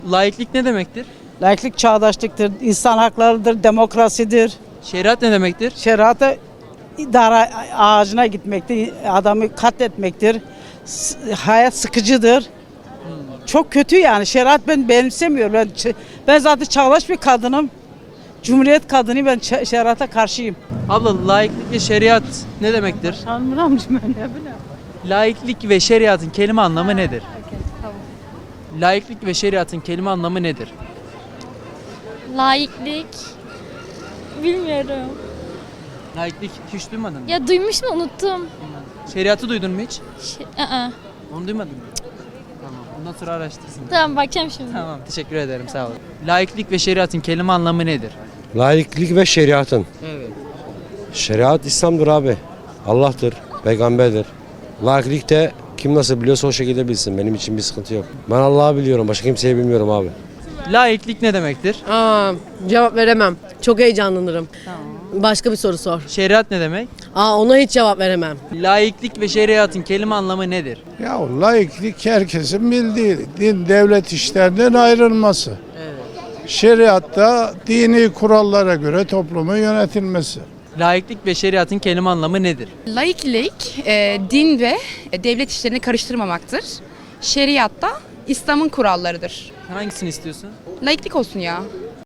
Laiklik ne demektir? Laiklik çağdaşlıktır, insan haklarıdır, demokrasidir. Şeriat ne demektir? Şeriata idare ağacına gitmektir, adamı katletmektir. Hayat sıkıcıdır. Çok kötü yani. Şeriat ben benimsemiyorum. Ben zaten çağdaş bir kadınım. Cumhuriyet kadını, ben şeriata karşıyım. Abla laiklik ve şeriat ne demektir? Tanrım ne bileyim. Laiklik ve şeriatın kelime anlamı nedir? Laiklik ve şeriatın kelime anlamı nedir? Laiklik. Bilmiyorum. Laiklik hiç duymadın mı? Ya duymuşum unuttum. Şeriatı duydun mu hiç? Aa. Onu duymadın mı? Tamam. Bundan sonra araştırsın. Tamam bakacağım şimdi. Tamam. Teşekkür ederim. Sağ olun. Laiklik ve şeriatın kelime anlamı nedir? Laiklik ve şeriatın. Evet. Şeriat İslam'dır abi. Allah'tır, peygamberdir. Laiklik de kim nasıl biliyorsa o şekilde bilsin. Benim için bir sıkıntı yok. Ben Allah'ı biliyorum, başka kimseyi bilmiyorum abi. Laiklik ne demektir? Cevap veremem. Çok heyecanlanırım. Başka bir soru sor. Şeriat ne demek? Ona hiç cevap veremem. Laiklik ve şeriatın kelime anlamı nedir? Ya laiklik herkesin bildiği din devlet işlerinden ayrılması. Şeriatta dini kurallara göre toplumun yönetilmesi. Laiklik ve şeriatın kelime anlamı nedir? Laiklik, din ve devlet işlerini karıştırmamaktır. Şeriatta İslam'ın kurallarıdır. Hangisini istiyorsun? Laiklik olsun ya.